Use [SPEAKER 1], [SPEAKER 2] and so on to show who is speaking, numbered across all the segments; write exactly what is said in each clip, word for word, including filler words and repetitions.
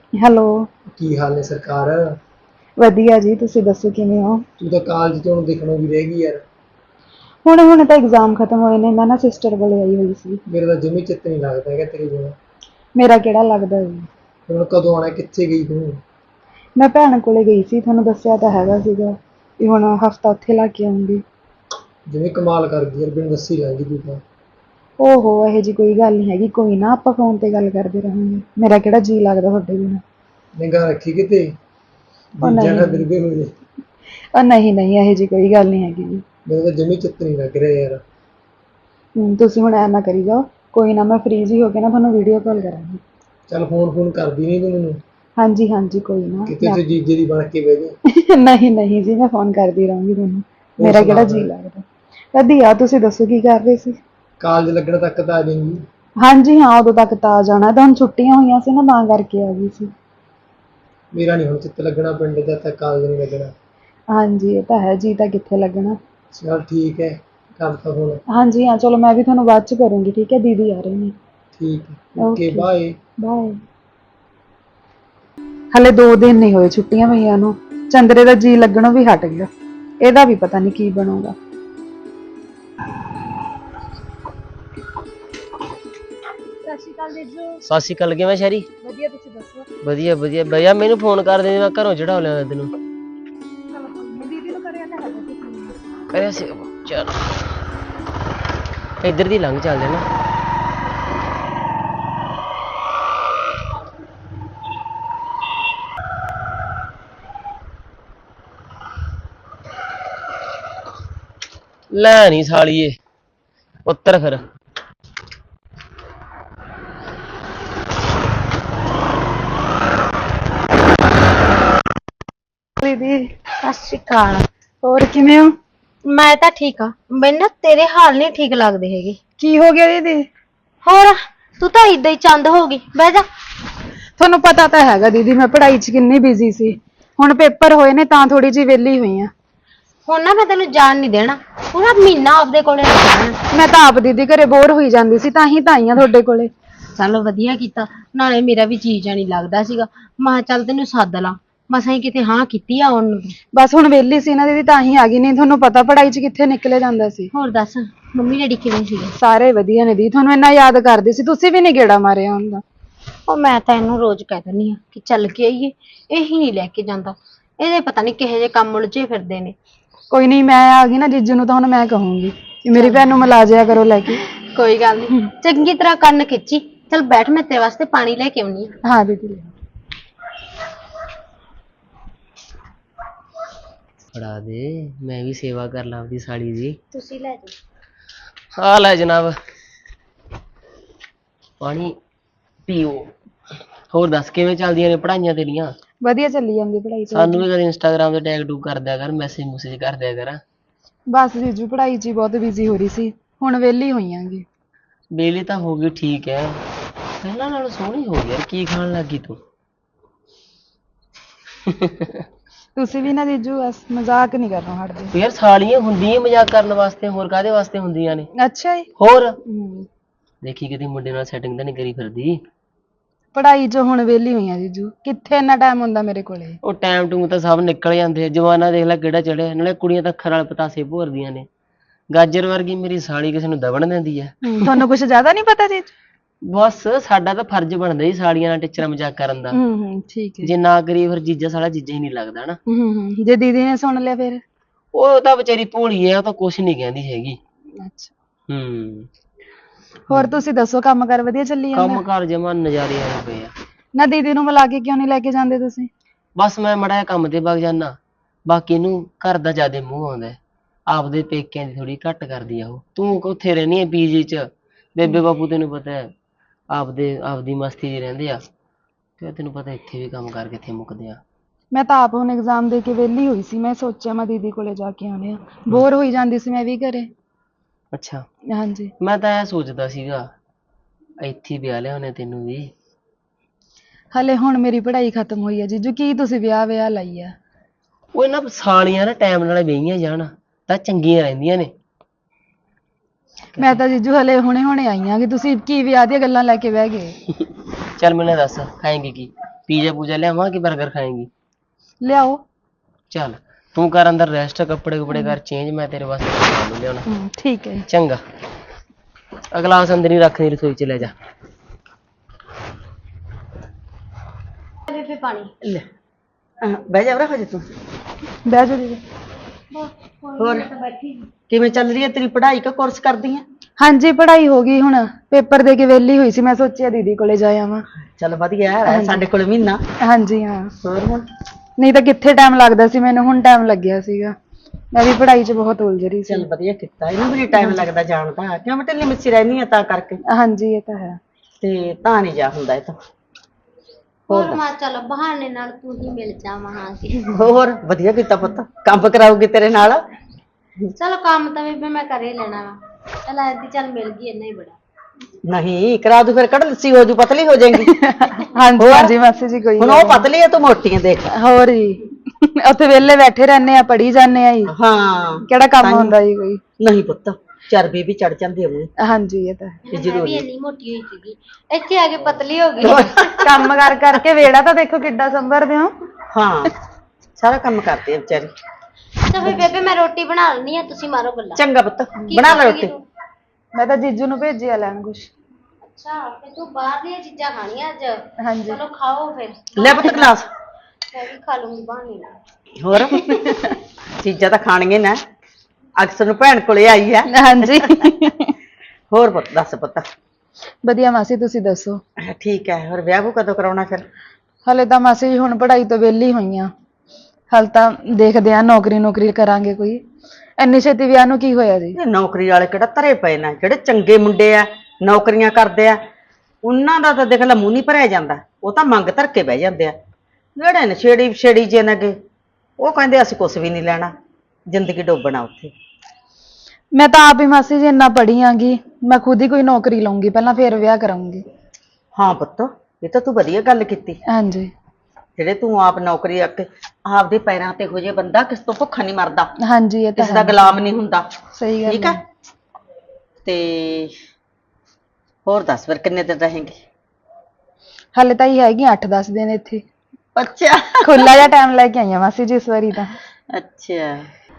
[SPEAKER 1] Hello.
[SPEAKER 2] ਕੀ ਹਾਲ ਨੇ ਸਰਕਾਰ?
[SPEAKER 1] ਵਧੀਆ ਜੀ, ਤੁਸੀਂ ਦੱਸੋ ਕਿਵੇਂ ਹੋ?
[SPEAKER 2] ਤੂੰ ਤਾਂ ਕਾਲਜ ਤੋਂ ਹੁਣ ਦਿਖਣੋਂ ਵੀ ਰਹਿ ਗਈ ਯਾਰ।
[SPEAKER 1] ਹੁਣ ਹੁਣ ਤਾਂ ਐਗਜ਼ਾਮ ਖਤਮ ਹੋਏ ਨੇ, ਮੈਂ ਨਾ ਸਿਸਟਰ ਕੋਲੇ ਆਈ ਹੋਈ ਸੀ।
[SPEAKER 2] ਮੇਰਾ ਤਾਂ ਜਮੀ ਚਿੱਤ ਨਹੀਂ ਲੱਗਦਾ ਹੈਗਾ ਤੇਰੇ ਬਿਨਾਂ।
[SPEAKER 1] ਮੇਰਾ ਕਿਹੜਾ ਲੱਗਦਾ ਜੀ।
[SPEAKER 2] ਹੁਣ ਕਦੋਂ ਆਉਣਾ, ਕਿੱਥੇ ਗਈ ਤੂੰ?
[SPEAKER 1] ਮੈਂ ਭੈਣ ਕੋਲੇ ਗਈ ਸੀ, ਤੁਹਾਨੂੰ ਦੱਸਿਆ ਤਾਂ ਹੈਗਾ ਸੀਗਾ ਵੀ ਹੁਣ ਹਫ਼ਤਾ ਉੱਥੇ ਲਾ ਕੇ ਆਉਂਗੀ।
[SPEAKER 2] ਜਿਵੇਂ ਕਮਾਲ ਕਰ ਗਈ ਯਾਰ, ਬਿਨ ਦੱਸੀ ਲੰਘ ਗਈ ਤੂੰ ਤਾਂ।
[SPEAKER 1] ਓਹੋ, ਇਹੋ ਜਿਹੀ ਕੋਈ ਗੱਲ ਨਹੀਂ ਹੈਗੀ, ਕੋਈ ਨਾ ਆਪਾਂ ਫੋਨ ਤੇ ਗੱਲ ਕਰਦੇ ਰਹਾਂਗੇ। ਮੇਰਾ ਕਿਹੜਾ ਜੀਅ ਲੱਗਦਾ ਤੁਹਾਡੇ ਬਿਨਾਂ।
[SPEAKER 2] ਨਿਗਾਹ ਰੱਖੀ ਕਿਤੇ
[SPEAKER 1] ਉਹ
[SPEAKER 2] ਜੀਜਾ
[SPEAKER 1] ਨਹੀਂ
[SPEAKER 2] ਨਾ ਦਿਖਦੇ ਹੋ ਜੇ।
[SPEAKER 1] ਉਹ ਨਹੀਂ ਨਹੀਂ, ਇਹੋ ਜਿਹੀ ਕੋਈ ਗੱਲ ਨਹੀਂ ਹੈਗੀ ਜੀ।
[SPEAKER 2] ਮੇਰਾ ਤਾਂ ਜਮੀ ਚਿੱਤ ਨਹੀਂ ਲੱਗ ਰਿਹਾ ਯਾਰ।
[SPEAKER 1] ਹਮ, ਤੁਸੀਂ ਹੁਣ ਐ ਨਾ ਕਰੀ ਜਾਓ, ਕੋਈ ਨਾ ਮੈਂ ਫ੍ਰੀ ਜਿਹੀ ਹੋ ਕੇ ਨਾ ਤੁਹਾਨੂੰ ਵੀਡੀਓ ਕਾਲ ਕਰਾਂਗੀ।
[SPEAKER 2] ਚੱਲ ਫੋਨ ਫੋਨ ਕਰਦੀ ਨਹੀਂ ਤੂੰ ਮੈਨੂੰ?
[SPEAKER 1] ਹਾਂਜੀ ਹਾਂਜੀ, ਕੋਈ ਨਾ
[SPEAKER 2] ਕਿਤੇ
[SPEAKER 1] ਮੈਂ
[SPEAKER 2] ਤੂੰ ਜੀਜੇ ਦੀ ਬਣ ਕੇ ਬਹਿ ਜਾ।
[SPEAKER 1] ਨਹੀਂ ਨਹੀਂ ਜੀ, ਮੈਂ ਫੋਨ ਕਰਦੀ ਰਹੂੰਗੀ ਤੁਹਾਨੂੰ।
[SPEAKER 2] ਹੋਰ
[SPEAKER 1] ਮੇਰਾ
[SPEAKER 2] ਸੁਣਾ
[SPEAKER 1] ਕਿਹੜਾ ਜੀਅ
[SPEAKER 2] ਫਿਰ?
[SPEAKER 1] ਲੱਗਦਾ। ਵਧੀਆ, ਤੁਸੀਂ ਦੱਸੋ ਕੀ ਕਰ ਰਹੇ ਸੀ?
[SPEAKER 2] ਕਾਲਜ ਲੱਗਣ ਤੱਕ ਤਾਂ ਆ ਜਾਏਂਗੀ?
[SPEAKER 1] ਹਾਂਜੀ ਹਾਂ, ਉਦੋਂ ਤੱਕ ਤਾਂ ਆ ਜਾਣਾ, ਤਾਂ ਹੁਣ ਛੁੱਟੀਆਂ ਹੋਈਆਂ ਸੀ ਨਾ ਤਾਂ ਕਰਕੇ ਆ ਗਈ ਸੀ।
[SPEAKER 2] ਮੇਰਾ ਨਹੀਂ ਹੁਣ ਚਿੱਤ ਲੱਗਣਾ ਪਿੰਡ ਜਦ ਤੱਕ ਕਾਲਜ ਨਹੀਂ ਲੱਗਣਾ।
[SPEAKER 1] ਹਾਂਜੀ ਇਹ ਤਾਂ ਹੈ, ਜੀ ਤਾਂ ਕਿੱਥੇ ਲੱਗਣਾ।
[SPEAKER 2] ਚੱਲ ਠੀਕ ਹੈ, ਕਰਤਾ ਹੁਣ।
[SPEAKER 1] ਹਾਂਜੀ ਹਾਂ, ਚਲੋ ਮੈਂ ਵੀ ਤੁਹਾਨੂੰ ਬਾਅਦ ਚ ਕਰੂੰਗੀ, ਠੀਕ ਹੈ, ਦੀਦੀ ਆ ਰਹੇ ਨੇ।
[SPEAKER 2] ਠੀਕ ਹੈ, ਓਕੇ
[SPEAKER 1] ਓਕੇ
[SPEAKER 2] ਬਾਏ।
[SPEAKER 1] ਬਾਏ। ਹਲੇ ਦੋ ਦਿਨ ਨਹੀਂ ਹੋਏ ਛੁੱਟੀਆਂ ਪਈਆਂ ਨੂੰ, ਚੰਦਰੇ ਦਾ ਜੀਅ ਲੱਗਣੋਂ ਵੀ ਹਟ ਗਿਆ। ਇਹਦਾ ਵੀ ਪਤਾ ਨਹੀਂ ਕੀ ਬਣੂਗਾ। ਸਤਿ ਸ਼੍ਰੀ ਅਕਾਲ ਜੀਜੂ।
[SPEAKER 3] ਸਤਿ ਸ਼੍ਰੀ ਅਕਾਲ, ਕਿਵੇਂ ਸ਼ੈਰੀ?
[SPEAKER 1] ਵਧੀਆ, ਤੁਸੀਂ ਦੱਸੋ?
[SPEAKER 3] ਵਧੀਆ ਵਧੀਆ ਭਈਆ, ਮੈਨੂੰ ਫੋਨ ਕਰ ਦੇ, ਮੈਂ ਘਰੋਂ ਚੜਾ ਲਿਆ ਤੈਨੂੰ।
[SPEAKER 1] ਚਲੋ ਕੋਈ ਨੀ, ਦੀਦੀ ਨੂੰ ਕਰਿਆ ਤਾਂ ਹੈਗਾ ਸੀ ਫੋਨ।
[SPEAKER 3] ਕਰਿਆ ਸੀ, ਚੱਲ ਇੱਧਰ ਦੀ ਲੰਘ ਚੱਲਦੇ ਨਾ। ਲੈ ਨੀ ਸਾਲੀਏ, ਉੱਤਰ ਫਿਰ।
[SPEAKER 1] ਦੀਦੀ,
[SPEAKER 4] ਸਤਿ ਸ਼੍ਰੀ ਅਕਾਲ।
[SPEAKER 1] ਹੋਰ ਕਿਵੇਂ ਹੋ?
[SPEAKER 4] ਮੈਂ ਤਾਂ ਠੀਕ ਆ, ਮੈਨੂੰ ਨਾ ਤੇਰੇ ਹਾਲ ਨਹੀਂ ਠੀਕ ਲੱਗਦੇ ਹੈਗੇ।
[SPEAKER 1] ਕੀ ਹੋ ਗਿਆ ਦੀਦੀ?
[SPEAKER 4] ਹੋਰ ਤੂੰ ਤਾਂ ਇਦਾਂ ਹੀ ਚੰਦ ਹੋ ਗਈ, ਬਹਿ ਜਾ।
[SPEAKER 1] ਤੁਹਾਨੂੰ ਪਤਾ ਤਾਂ ਹੈਗਾ ਦੀਦੀ, ਮੈਂ ਪੜ੍ਹਾਈ 'ਚ ਕਿੰਨੀ ਬਿਜ਼ੀ ਸੀ। ਹੁਣ ਪੇਪਰ ਹੋਏ ਨੇ ਤਾਂ ਥੋੜੀ ਜਿਹੀ ਵਿਹਲੀ ਹੋਈ ਆ।
[SPEAKER 4] ਹੁਣ ਨਾ ਮੈਂ ਤੈਨੂੰ ਜਾਣ ਨਹੀਂ ਦੇਣਾ, ਪੂਰਾ ਮਹੀਨਾ ਆਪਦੇ ਕੋਲੇ ਰਹਿਣਾ।
[SPEAKER 1] ਮੈਂ ਤਾਂ ਆਪ ਦੀਦੀ ਘਰੇ ਬੋਰ ਹੋਈ ਜਾਂਦੀ ਸੀ, ਤਾਂ ਹੀ ਤਾਂ ਆਈ ਆ ਤੁਹਾਡੇ ਕੋਲੇ।
[SPEAKER 4] ਚੱਲ ਵਧੀਆ ਕੀਤਾ, ਨਾਲੇ ਮੇਰਾ ਵੀ ਜੀਅ ਜਾ ਨਹੀਂ ਲੱਗਦਾ ਸੀਗਾ, ਮੈਂ ਕਿਹਾ ਚੱਲ ਤੈਨੂੰ ਸੱਦ ਲਾਂ। ਮਸਾਂ ਹੀ ਕਿਤੇ ਹਾਂ ਕੀਤੀ ਆ ਆਉਣ ਨੂੰ।
[SPEAKER 1] ਬਸ ਹੁਣ ਵਿਹਲੀ ਸੀ ਨਾ ਦੀਦੀ, ਤਾਂ ਹੀ ਆ ਗਈ, ਨਹੀਂ ਤੁਹਾਨੂੰ ਪਤਾ ਪੜ੍ਹਾਈ 'ਚ ਕਿੱਥੇ ਨਿਕਲਿਆ ਜਾਂਦਾ ਸੀ।
[SPEAKER 4] ਹੋਰ ਦੱਸ, ਮੰਮੀ ਡੈਡੀ ਕਿਵੇਂ ਸੀਗੇ?
[SPEAKER 1] ਸਾਰੇ ਵਧੀਆ ਨੇ ਦੀਦੀ, ਤੁਹਾਨੂੰ ਇੰਨਾ ਯਾਦ ਕਰਦੀ ਸੀ, ਤੁਸੀਂ ਵੀ ਨੀ ਗੇੜਾ ਮਾਰਿਆ ਹੁੰਦਾ।
[SPEAKER 4] ਉਹ ਮੈਂ ਤਾਂ ਇਹਨੂੰ ਰੋਜ਼ ਕਹਿ ਦਿੰਦੀ ਆ ਕਿ ਚੱਲ ਕੇ ਆਈਏ, ਇਹੀ ਨਹੀਂ ਲੈ ਕੇ ਜਾਂਦਾ। ਇਹਦੇ ਪਤਾ ਨਹੀਂ ਕਿਹੋ ਜਿਹੇ ਕੰਮ ਉਲਝੇ ਫਿਰਦੇ ਨੇ।
[SPEAKER 1] ਕੋਈ ਨਹੀਂ, ਮੈਂ ਆ ਗਈ ਨਾ ਜੀਜੂ ਨੂੰ ਤਾਂ ਹੁਣ ਮੈਂ ਕਹੂੰਗੀ ਕਿ ਮੇਰੀ
[SPEAKER 4] ਚੱਲ
[SPEAKER 1] ਭੈਣ ਨੂੰ ਮਿਲਾ ਜਿਆ ਕਰੋ ਲੈ ਕੇ।
[SPEAKER 4] ਕੋਈ ਗੱਲ ਨੀ, ਚੰਗੀ ਤਰ੍ਹਾਂ ਕੰਨ ਖਿੱਚੀ। ਚੱਲ ਬੈਠ, ਮੈਂ ਤੇਰੇ ਵਾਸਤੇ ਪਾਣੀ ਲੈ ਕੇ ਆਉਣੀ ਆ।
[SPEAKER 1] ਹਾਂ ਦੀਦੀ।
[SPEAKER 3] ਫੜਾ ਦੇ, ਮੈਂ ਵੀ ਸੇਵਾ ਕਰ ਲਾਂ ਆਪਦੀ ਸਾਲੀ ਦੀ।
[SPEAKER 4] ਤੁਸੀਂ ਲੈ ਜਾਓ।
[SPEAKER 3] ਆ ਲੈ ਜਨਾਬ, ਪਾਣੀ ਪੀਓ। ਹੋਰ ਦੱਸ, ਕਿਵੇਂ ਚੱਲਦੀਆਂ ਨੇ ਪੜ੍ਹਾਈਆਂ ਤੇਰੀਆਂ?
[SPEAKER 1] ਵਧੀਆ ਚੱਲੀ ਜਾਂਦੀ ਪੜ੍ਹਾਈ
[SPEAKER 3] ਸਾਨੂੰ
[SPEAKER 1] ਤੁਹਾਡੀ।
[SPEAKER 3] ਵੀ ਕਦੇ ਇੰਸਟਾਗ੍ਰਾਮ ਤੇ ਟੈਗ ਟੂਗ ਕਰ ਦਿਆ ਕਰ, ਮੈਸੇਜ ਮੂਸੇਜ ਕਰ ਦਿਆ ਕਰ।
[SPEAKER 1] ਬਸ ਜੀਜੂ ਪੜ੍ਹਾਈ 'ਚ ਹੀ ਬਹੁਤ ਬਿਜ਼ੀ ਹੋ ਰਹੀ ਸੀ, ਹੁਣ ਵਿਹਲੀ ਹੋਈ ਆਂਗੀ।
[SPEAKER 3] ਵਿਹਲੀ ਤਾਂ ਹੋ ਗਈ, ਠੀਕ ਹੈ, ਪਹਿਲਾਂ ਨਾਲੋਂ ਸੋਹਣੀ ਹੋ ਗਈ ਯਾਰ, ਕੀ ਖਾਣ ਲੱਗ ਗਈ ਤੂੰ?
[SPEAKER 1] ਤੁਸੀਂ ਵੀ ਨਾ ਜੀਜੂ ਬਸ ਮਜ਼ਾਕ ਨਹੀਂ ਕਰਨੋਂ ਹਟਦੇ।
[SPEAKER 3] ਯਾਰ ਸਾਲੀਆਂ ਹੁੰਦੀਆਂ ਮਜ਼ਾਕ ਕਰਨ ਵਾਸਤੇ, ਹੋਰ ਕਾਹਦੇ ਵਾਸਤੇ ਹੁੰਦੀਆਂ ਨੇ?
[SPEAKER 1] ਅੱਛਾ ਜੀ।
[SPEAKER 3] ਹੋਰ
[SPEAKER 1] ਹਮ,
[SPEAKER 3] ਦੇਖੀ ਕਿਤੇ ਮੁੰਡੇ ਨਾਲ ਸੈਟਿੰਗ ਤਾਂ ਨਹੀਂ ਕਰੀ ਫਿਰਦੀ।
[SPEAKER 1] ਪੜ੍ਹਾਈ 'ਚ ਹੁਣ ਵਿਹਲੀ ਹੋਈ ਆ ਜੀਜੂ, ਕਿੱਥੇ ਇੰਨਾ ਟਾਈਮ ਹੁੰਦਾ ਮੇਰੇ ਕੋਲੇ।
[SPEAKER 3] ਉਹ ਟਾਈਮ ਟੂਮ ਤਾਂ ਸਭ ਨਿਕਲ ਜਾਂਦੇ ਆ, ਜਮਾਨਾ ਦੇਖ ਲੈ ਕਿਹੜਾ ਚੜਿਆ, ਨਾਲੇ ਕੁੜੀਆਂ ਤਾਂ ਅੱਖਰ ਵਾਲੇ ਪਤਾਸੇ ਭੋਰਦੀਆਂ ਨੇ। ਗਾਜਰ ਵਰਗੀ ਮੇਰੀ ਸਾਲੀ ਕਿਸੇ ਨੂੰ ਦਬਣ ਦਿੰਦੀ ਹੈ।
[SPEAKER 1] ਹਮ, ਤੁਹਾਨੂੰ ਕੁਛ ਜ਼ਿਆਦਾ ਨਹੀਂ ਪਤਾ ਜੀਜੂ?
[SPEAKER 3] ਬਸ ਸਾਡਾ ਤਾਂ ਫਰਜ਼ ਬਣਦਾ ਜੀ ਸਾਲੀਆਂ ਨਾਲ ਟਿਚਰਾਂ ਮਜ਼ਾਕ ਕਰਨ ਦਾ।
[SPEAKER 1] ਹਮ ਹਮ, ਠੀਕ ਹੈ।
[SPEAKER 3] ਜੇ ਨਾ ਕਰੀਏ ਫਿਰ ਜੀਜਾ ਸਾਲਾ ਜੀਜਾ ਹੀ ਨਹੀਂ ਲੱਗਦਾ ਨਾ।
[SPEAKER 1] ਹਮ ਹਮ, ਜੇ ਦੀਦੀ ਨੇ ਸੁਣ ਲਿਆ ਫਿਰ?
[SPEAKER 3] ਉਹ ਤਾਂ ਵਿਚਾਰੀ ਭੋਲੀ ਹੈ, ਉਹ ਤਾਂ ਕੁਛ ਨਹੀਂ ਕਹਿੰਦੀ ਹੈਗੀ।
[SPEAKER 1] ਅੱਛਾ।
[SPEAKER 3] ਹੂੰ।
[SPEAKER 1] ਹੋਰ ਤੁਸੀਂ ਦੱਸੋ, ਕੰਮ ਕਾਰ ਵਧੀਆ ਚੱਲੀ ਜਾਂਦਾ?
[SPEAKER 3] ਕੰਮ ਕਾਰ ਜਮਾ ਨਜ਼ਾਰੇ ਆਏ ਪਏ ਆ।
[SPEAKER 1] ਨਾ ਦੀਦੀ ਨੂੰ ਮਿਲਾ ਕੇ ਕਿਉਂ ਨਹੀਂ ਲੈ ਕੇ ਜਾਂਦੇ ਤੁਸੀਂ?
[SPEAKER 3] ਬਸ ਮੈਂ ਮਾੜਾ ਜਿਹਾ ਕੰਮ ਤੇ ਵਗ ਜਾਨਾ, ਬਾਕੀ ਇਹਨੂੰ ਘਰ ਦਾ ਜ਼ਿਆਦਾ ਮੂੰਹ ਆਉਂਦਾ। ਆਪਦੇ ਪੇਕਿਆਂ ਦੀ ਥੋੜੀ ਘੱਟ ਕਰਦੀ ਆ ਉਹ। ਤੂੰ ਉੱਥੇ ਰਹਿੰਦੀ ਹੈ ਪੀਜੀ 'ਚ, ਬੇਬੇ ਬਾਪੂ ਤੈਨੂੰ ਪਤਾ ਹੈ ਆਪਦੇ ਆਪਦੀ ਮਸਤੀ 'ਚ ਰਹਿੰਦੇ ਆ, ਤੇ ਤੈਨੂੰ ਪਤਾ ਇੱਥੇ ਵੀ ਕੰਮ ਕਰ ਕਿੱਥੇ ਮੁੱਕਦੇ ਆ।
[SPEAKER 1] ਮੈਂ ਤਾਂ ਆਪ ਹੁਣ ਐਗਜ਼ਾਮ ਦੇ ਕੇ ਵਿਹਲੀ ਹੋਈ ਸੀ, ਮੈਂ ਸੋਚਿਆ ਮੈਂ ਦੀਦੀ ਕੋਲੇ ਜਾ ਕੇ ਆਉਂਦੇ ਆ, ਬੋਰ ਹੋਈ ਜਾਂਦੀ ਸੀ ਮੈਂ ਵੀ ਘਰੇ।
[SPEAKER 3] ਅੱਛਾ।
[SPEAKER 1] ਹਾਂਜੀ।
[SPEAKER 3] ਮੈਂ ਤਾਂ ਇਹ ਸੋਚਦਾ ਸੀਗਾ ਇੱਥੇ ਵਿਆਹ ਲਿਆਉਣੇ ਤੈਨੂੰ ਵੀ।
[SPEAKER 1] ਹਲੇ ਹੁਣ ਮੇਰੀ ਪੜ੍ਹਾਈ ਖਤਮ ਹੋਈ ਹੈ ਜੀਜੂ, ਕੀ ਤੁਸੀਂ ਵਿਆਹ ਵਿਆਹ ਲਾਈ ਆ?
[SPEAKER 3] ਉਹ ਇਹਨਾਂ ਸਾਲੀਆਂ ਨਾ ਟਾਈਮ ਨਾਲ ਵਿਆਹੀਆਂ ਜਾਣ ਤਾਂ ਚੰਗੀਆਂ ਰਹਿੰਦੀਆਂ ਨੇ।
[SPEAKER 1] ਮੈਂ ਤਾਂ ਜੀਜੂ ਹਲੇ ਹੁਣੇ ਹੁਣੇ ਆਈ ਆਂ ਕਿ ਤੁਸੀਂ ਕੀ ਵਿਆਹ ਦੀਆਂ ਗੱਲਾਂ ਲੈ ਕੇ ਬਹਿ ਗਏ।
[SPEAKER 3] ਚੱਲ ਮੈਨੂੰ ਦੱਸ ਖਾਏਂਗੀ ਕੀ? ਪੀਜ਼ਾ ਪੂਜਾ ਲਿਆਵਾਂ ਕਿ 버ਗਰ ਖਾਏਂਗੀ?
[SPEAKER 1] ਲਿਆਓ।
[SPEAKER 3] ਚੱਲ ਤੂੰ ਕਰ ਅੰਦਰ ਰੈਸਟ, ਕੱਪੜੇ ਕੁਪੜੇ ਕਰ ਚੇਂਜ, ਮੈਂ ਤੇਰੇ ਵਾਸਤੇ ਖਾਣ ਨੂੰ ਲਿਆਉਣਾ।
[SPEAKER 1] ਹਮ, ਠੀਕ ਹੈ।
[SPEAKER 3] ਚੰਗਾ, ਅਗਲਾ ਅੰਦਰ ਹੀ ਰੱਖਣੀ, ਰਸੋਈ ਚ ਲੈ ਜਾ।
[SPEAKER 4] ਬੇਬੇ ਪਾਣੀ
[SPEAKER 5] ਲੈ ਅਹ ਬਹਿ ਜਾ ਹੋ ਜਾ ਤੂੰ।
[SPEAKER 1] ਬਹਿ ਜਾ ਦੀਦੀ।
[SPEAKER 5] ਹੋਰ ਕਿਵੇਂ ਚੱਲ ਰਹੀ ਹੈ ਤੇਰੀ ਪੜ੍ਹਾਈ? ਕਾ ਕੋਰਸ ਕਰਦੀ ਹੈ?
[SPEAKER 1] ਹਾਂਜੀ ਪੜ੍ਹਾਈ ਹੋ ਗਈ, ਹੁਣ ਪੇਪਰ ਦੇ ਕੇ ਵਿਹਲੀ ਹੋਈ ਸੀ, ਮੈਂ ਸੋਚਿਆ ਦੀਦੀ ਕੋਲੇ ਜਾ ਆਵਾਂ।
[SPEAKER 5] ਚੱਲ ਵਧੀਆ ਹੈ, ਸਾਡੇ ਕੋਲ ਮਹੀਨਾ।
[SPEAKER 1] ਹਾਂਜੀ ਹਾਂ।
[SPEAKER 5] ਹੋਰ ਹੁਣ
[SPEAKER 1] ਨਹੀਂ ਤਾਂ ਕਿੱਥੇ ਟਾਈਮ ਲੱਗਦਾ ਸੀ ਮੈਨੂੰ, ਹੁਣ ਟਾਈਮ ਲੱਗਿਆ ਸੀਗਾ। ਮੈਂ ਵੀ ਪੜ੍ਹਾਈ 'ਚ ਬਹੁਤ ਉਲਝ ਰਹੀ ਸੀ।
[SPEAKER 5] ਚੱਲ ਵਧੀਆ ਕੀਤਾ, ਇਹਨੂੰ ਵੀ ਟਾਈਮ ਲੱਗਦਾ ਜਾਣ ਦਾ, ਕਿਉਂ ਮੈਂ ਢਿੱਲੀ ਮਿੱਸੀ ਰਹਿੰਦੀ ਆ ਤਾਂ ਕਰਕੇ।
[SPEAKER 1] ਹਾਂਜੀ ਇਹ ਤਾਂ ਹੈ।
[SPEAKER 5] ਤੇ ਤਾਂ ਨਹੀਂ ਜਾ ਹੁੰਦਾ ਇਹ ਤਾਂ।
[SPEAKER 4] ਹੋਰ ਮਾਂ ਚਲੋ ਬਹਾਨੇ ਨਾਲ ਤੂੰ ਹੀ ਮਿਲ ਜਾਵਾਂ ਹਾਂ ਕਿ
[SPEAKER 5] ਹੋਰ ਵਧੀਆ ਕੀਤਾ ਪੁੱਤ, ਕੰਮ ਕਰਾਉਗੀ ਤੇਰੇ ਨਾਲ।
[SPEAKER 4] ਚਲੋ ਕੰਮ ਤਾਂ ਬੇਬੇ ਮੈਂ ਕਰ ਹੀ ਲੈਣਾ ਵਾ। ਚੱਲ ਐਦੀ ਚੱਲ ਮਿਲ ਗਈ ਇੰਨਾ ਹੀ ਬੜਾ।
[SPEAKER 5] ਨਹੀਂ ਕਰਾ ਦੂ ਫਿਰ ਕੜ ਲੱਸੀ ਹੋ ਜੂ, ਪਤਲੀ ਹੋ ਜਾਏਗੀ।
[SPEAKER 1] ਹਾਂਜੀ ਹਾਂਜੀ ਮਾਸੀ ਜੀ ਕੋਈ
[SPEAKER 5] ਹੁਣ ਉਹ ਪਤਲੀ ਹੈ ਤੂੰ ਮੋਟੀ ਹੈ ਦੇਖ।
[SPEAKER 1] ਹੋਰ ਜੀ ਉੱਥੇ ਵਿਹਲੇ ਬੈਠੇ ਰਹਿੰਦੇ ਆ, ਪੜ੍ਹੀ ਜਾਂਦੇ ਆ ਜੀ।
[SPEAKER 5] ਹਾਂ
[SPEAKER 1] ਕਿਹੜਾ ਕੰਮ ਹੁੰਦਾ ਜੀ ਕੋਈ?
[SPEAKER 5] ਨਹੀਂ ਪੁੱਤ ਚਰਬੀ ਵੀ ਚੜ ਜਾਂਦੀ ਹੈ ਮੂੰਹ।
[SPEAKER 1] ਹਾਂਜੀ ਇਹ ਤਾਂ ਹੈ।
[SPEAKER 4] ਮੈਂ ਵੀ ਇੰਨੀ ਮੋਟੀ ਹੋਈ ਸੀਗੀ, ਇੱਥੇ ਆ ਕੇ ਪਤਲੀ ਹੋ ਗਈ।
[SPEAKER 1] ਕੰਮ ਕਰ ਕਰਕੇ ਵੇੜਾ ਤਾਂ ਦੇਖੋ ਕਿੱਡਾ ਸੰਭਰਦੇ ਹੋ।
[SPEAKER 5] ਹਾਂ ਸਾਰਾ ਕੰਮ ਕਰਦੀ ਹੈ ਵਿਚਾਰੀ।
[SPEAKER 4] ਤਾਂ ਫਿਰ ਬੇਬੇ ਮੈਂ ਰੋਟੀ ਬਣਾ ਲੈਣੀ ਆ, ਤੁਸੀਂ ਮਾਰੋ ਗੱਲਾਂ।
[SPEAKER 5] ਚੰਗਾ ਪੁੱਤ ਬਣਾ ਲੈ ਰੋਟੀ।
[SPEAKER 1] ਮੈਂ ਤਾਂ ਜੀਜੂ ਨੂੰ ਭੇਜਿਆ ਲੈਣ ਕੁਛ।
[SPEAKER 4] ਅੱਛਾ ਤੇ ਤੂੰ ਬਾਹਰ ਦੀਆਂ ਚੀਜ਼ਾਂ ਖਾਣੀਆਂ ਅੱਜ?
[SPEAKER 1] ਹਾਂਜੀ
[SPEAKER 4] ਚਲੋ ਖਾਓ ਫਿਰ।
[SPEAKER 5] ਲੈ ਪੁੱਤ ਗਲਾਸ।
[SPEAKER 4] ਮੈਂ ਵੀ ਖਾ ਲੂੰਗੀ ਬਹਾਨੇ ਨਾਲ।
[SPEAKER 5] ਹੋਰ ਚੀਜ਼ਾਂ ਤਾਂ ਖਾਣੀਆਂ ਨਾ, ਅਕਸਰ ਨੂੰ ਭੈਣ ਕੋਲੇ ਆਈ ਆ।
[SPEAKER 1] ਹਾਂਜੀ
[SPEAKER 5] ਹੋਰ ਪੁੱਤ ਦੱਸ ਪੁੱਤ?
[SPEAKER 1] ਵਧੀਆ ਮਾਸੀ ਤੁਸੀਂ ਦੱਸੋ?
[SPEAKER 5] ਠੀਕ ਹੈ। ਹੋਰ ਵਿਆਹ ਵੂ ਕਦੋਂ ਕਰਾਉਣਾ ਫਿਰ?
[SPEAKER 1] ਹਲੇ ਤਾਂ ਮਾਸੀ ਜੀ ਹੁਣ ਪੜ੍ਹਾਈ ਤੋਂ ਵਿਹਲੀ ਹੋਈਆਂ, ਹਾਲੇ ਤਾਂ ਦੇਖਦੇ ਆ ਨੌਕਰੀ ਨੌਕਰੀ ਕਰਾਂਗੇ ਕੋਈ। ਇੰਨੀ ਛੇਤੀ ਵਿਆਹ ਨੂੰ ਕੀ ਹੋਇਆ ਜੀ?
[SPEAKER 5] ਇਹ ਨੌਕਰੀ ਵਾਲੇ ਕਿਹੜਾ ਧਰੇ ਪਏ ਨੇ, ਜਿਹੜੇ ਚੰਗੇ ਮੁੰਡੇ ਆ ਨੌਕਰੀਆਂ ਕਰਦੇ ਆ ਉਹਨਾਂ ਦਾ ਤਾਂ ਦੇਖ ਲੈ ਮੂੰਹ ਨਹੀਂ ਭਰਿਆ ਜਾਂਦਾ, ਉਹ ਤਾਂ ਮੰਗ ਧਰ ਕੇ ਬਹਿ ਜਾਂਦੇ ਆ। ਜਿਹੜੇ ਨਸ਼ੇੜੀ ਛੇੜੀ ਜੇ ਨਗੇ ਉਹ ਕਹਿੰਦੇ ਅਸੀਂ ਕੁਛ ਵੀ ਨਹੀਂ ਲੈਣਾ, ਜ਼ਿੰਦਗੀ ਡੋਬਣਾ ਉੱਥੇ।
[SPEAKER 1] ਮੈਂ ਤਾਂ ਆਪ ਹੀ ਮਾਸੀ ਜੀ ਇੰਨਾ ਪੜ੍ਹੀ ਆਂਗੀ, ਮੈਂ ਖੁਦ ਹੀ ਕੋਈ ਨੌਕਰੀ ਲਊਂਗੀ ਪਹਿਲਾਂ, ਫਿਰ ਵਿਆਹ ਕਰਾਂਗੀ।
[SPEAKER 5] ਹਾਂ ਪੁੱਤ ਇਹ ਤਾਂ ਤੂੰ ਵਧੀਆ ਗੱਲ ਕੀਤੀ।
[SPEAKER 1] ਹਾਂਜੀ
[SPEAKER 5] ਜਿਹੜੇ ਤੂੰ ਆਪ ਨੌਕਰੀ ਆਪਦੇ ਪੈਰਾਂ ਤੇ ਹੋ ਜੇ ਬੰਦਾ ਕਿਸ ਤੋਂ ਭੁੱਖਾ ਨਹੀਂ ਮਰਦਾ।
[SPEAKER 1] ਹਾਂਜੀ ਇਹ ਤਾਂ
[SPEAKER 5] ਕਿਸੇ ਦਾ ਗੁਲਾਮ ਨਹੀਂ ਹੁੰਦਾ।
[SPEAKER 1] ਸਹੀ ਗੱਲ
[SPEAKER 5] ਠੀਕ ਹੈ। ਤੇ ਹੋਰ ਦੱਸ ਫਿਰ ਕਿੰਨੇ ਦਿਨ ਰਹੇਂਗੀ?
[SPEAKER 1] ਹਲੇ ਤਾਂ ਹੀ ਹੈਗੀ ਅੱਠ ਦਸ ਦਿਨ ਇੱਥੇ।
[SPEAKER 5] ਅੱਛਾ
[SPEAKER 1] ਖੁੱਲਾ ਜਿਹਾ ਟਾਈਮ ਲੈ ਕੇ ਆਈਆਂ ਮਾਸੀ ਜੀ ਇਸ ਵਾਰੀ ਤਾਂ।
[SPEAKER 5] ਅੱਛਾ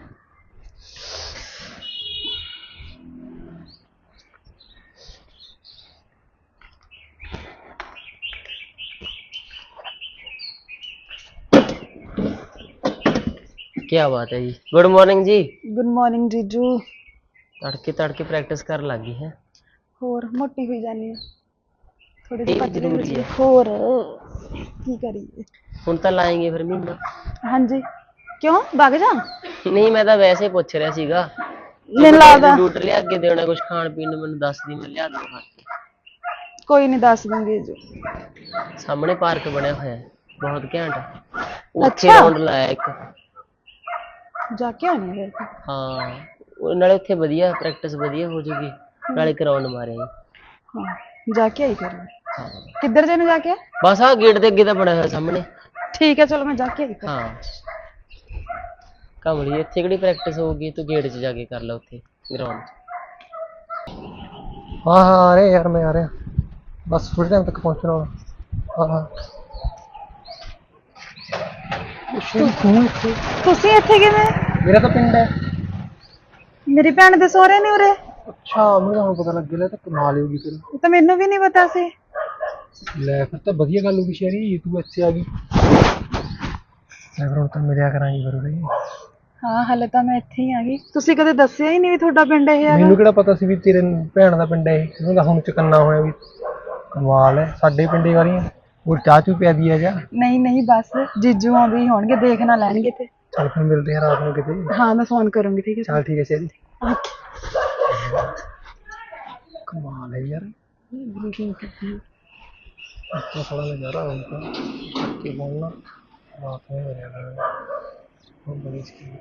[SPEAKER 3] क्या बात है जी। गुड मॉर्निंग जी।
[SPEAKER 1] ਗੁੱਡ ਮਾਰਨਿੰਗ ਜੀਜੂ।
[SPEAKER 3] तड़के तड़के प्रैक्टिस कर लगी है।
[SPEAKER 1] ਹੋਰ ਮੋਟੀ ਹੋਈ ਜਾਂਦੀ ਆ ਥੋੜੀ
[SPEAKER 3] ਇਹ
[SPEAKER 1] ਜਿਹੀ
[SPEAKER 3] ਵੀ
[SPEAKER 1] ਪਤਲੀ
[SPEAKER 3] ਜ਼ਰੂਰੀ
[SPEAKER 1] ਹੋਈ
[SPEAKER 3] ਹੈ।
[SPEAKER 1] ਹੋਰ ਕੀ ਕਰੀਏ।
[SPEAKER 3] ਹੁਣ ਤਾਂ ਲਾਏਂਗੇ ਫਿਰ ਮਹੀਨਾ।
[SPEAKER 1] ਹਾਂਜੀ ਕਿਉਂ ਵਗ ਜਾ?
[SPEAKER 3] ਨਹੀਂ ਮੈਂ ਤਾਂ ਵੈਸੇ ਪੁੱਛ ਰਿਹਾ ਸੀਗਾ।
[SPEAKER 1] ਮੈਨੂੰ ਲੱਗਦਾ
[SPEAKER 3] ਡੂਟ ਲਿਆ ਕੇ ਦੇਣਾ ਕੁਝ ਖਾਣ ਪੀਣ ਨੂੰ, ਮੈਨੂੰ ਦੱਸ ਦੀ ਮੈਂ ਲਿਆ ਦੂੰਗਾ।
[SPEAKER 1] ਕੋਈ ਨਹੀਂ ਦੱਸ ਦੂੰਗੀ ਜੀ।
[SPEAKER 3] ਸਾਹਮਣੇ ਪਾਰਕ ਬਣਿਆ ਹੋਇਆ ਹੈ ਬਹੁਤ ਘੈਂਟ, ਉੱਥੇ
[SPEAKER 1] ਅੱਛਾ।
[SPEAKER 3] ਰਾਉਂਡ ਲਾਇਆ ਇੱਕ।
[SPEAKER 1] ਜਾ ਕੇ ਆਉਣੀ ਹੈ ਫਿਰ।
[SPEAKER 3] ਹਾਂ ਉਹ ਨਾਲੇ ਉੱਥੇ ਵਧੀਆ ਪ੍ਰੈਕਟਿਸ ਵਧੀਆ ਹੋ ਜੂਗੀ, ਨਾਲੇ ਗਰਾਊਂਡ ਮਾਰਿਆ
[SPEAKER 1] ਹਾਂ ਜਾ ਕੇ ਆਈ ਫਿਰ। ਕਿੱਧਰ ਜੇ ਨੂੰ ਜਾ ਕੇ?
[SPEAKER 3] ਬਸ ਆਹ ਗੇਟ ਦੇ ਅੱਗੇ ਤਾਂ ਬਣਿਆ ਹੋਇਆ ਸਾਹਮਣੇ।
[SPEAKER 1] ਠੀਕ ਹੈ ਚਲੋ ਮੈਂ ਜਾ ਕੇ ਆਈ ਫਿਰ।
[SPEAKER 3] ਹਾਂ ਕਮਲੀ ਇੱਥੇ ਕਿਹੜੀ ਪ੍ਰੈਕਟਿਸ ਹੋਊਗੀ, ਤੂੰ ਗੇਟ 'ਚ ਜਾ ਕੇ ਕਰ ਲੈ ਉੱਥੇ ਗਰਾਊਂਡ 'ਚ।
[SPEAKER 2] ਹਾਂ ਹਾਂ ਆ ਰਹੇ ਯਾਰ, ਮੈਂ ਆ ਰਿਹਾ ਬਸ ਥੋੜੇ ਟਾਈਮ ਤੱਕ ਪਹੁੰਚਣਾ ਵਾ। ਹਾਂ ਹਾਂ
[SPEAKER 1] ਤੁਸੀਂ ਇੱਥੇ ਕਿਵੇਂ?
[SPEAKER 2] ਮੇਰਾ ਤਾਂ ਪਿੰਡ ਹੈ।
[SPEAKER 1] ਮੇਰੀ ਭੈਣ ਦੇ ਸਹੁਰੇ ਨੇ ਉਰੇ?
[SPEAKER 2] ਅੱਛਾ ਮੈਨੂੰ ਹੁਣ ਪਤਾ ਲੱਗ ਗਿਆ, ਤਾਂ ਕਮਾਲ ਹੋ ਗਈ ਫਿਰ।
[SPEAKER 1] ਇਹ ਤਾਂ ਮੈਨੂੰ ਵੀ ਨਹੀਂ ਪਤਾ ਸੀ।
[SPEAKER 2] ਲੈ ਫਿਰ ਤਾਂ ਵਧੀਆ ਗੱਲ ਹੋ ਗਈ ਸ਼ਹਿਰੀ, ਤੂੰ ਇੱਥੇ ਆ ਗਈ। ਲੈ ਫਿਰ ਹੁਣ ਤਾਂ ਮਿਲਿਆ ਕਰਾਂਗੇ ਫਿਰ ਉਰੇ।
[SPEAKER 1] ਹਾਂ ਹਲੇ ਤਾਂ ਮੈਂ ਇੱਥੇ ਹੀ ਆ ਗਈ, ਤੁਸੀਂ ਕਦੇ ਦੱਸਿਆ ਹੀ ਨਹੀਂ ਵੀ ਤੁਹਾਡਾ ਪਿੰਡ ਇਹ ਹੈਗਾ।
[SPEAKER 2] ਮੈਨੂੰ ਕਿਹੜਾ ਪਤਾ ਸੀ ਵੀ ਤੇਰੇ ਭੈਣ ਦਾ ਪਿੰਡ ਹੈ ਇਹ, ਉਹਨੂੰ ਤਾਂ ਹੁਣ ਚੁਕੰਨਾ ਹੋਇਆ ਵੀ। ਕਮਾਲ ਹੈ, ਸਾਡੇ ਪਿੰਡੇ ਵਾਲੀਆਂ। ਹੋਰ ਚਾਹ ਚੂ ਪਿਆ ਦੀ ਆ ਜਾ।
[SPEAKER 1] ਨਹੀਂ ਨਹੀਂ ਬਸ ਜੀਜੂ ਆਉਂਦੇ ਹੀ ਹੋਣਗੇ, ਦੇਖ ਨਾ ਲੈਣਗੇ ਤੇ।
[SPEAKER 2] ਚੱਲ ਫਿਰ ਮਿਲਦੇ ਆ ਰਾਤ ਨੂੰ ਕਿਤੇ।
[SPEAKER 1] ਹਾਂ ਮੈਂ ਫੋਨ ਕਰੂੰਗੀ ਠੀਕ ਹੈ।
[SPEAKER 2] ਚੱਲ ਠੀਕ ਹੈ ਸ਼ਹਿਰੀ। ਕਮਾਲ ਹੈ ਯਾਰ, ਅੱਛਾ ਥੋੜਾ ਨਜ਼ਾਰਾ ਹੋਊਗਾ ਕਿ ਬੋਲਣਾ ਰਾਤ ਨੂੰ ਹੋ ਜਾਣਾ ਉਹ ਬੜੀ ਚੀਜ਼।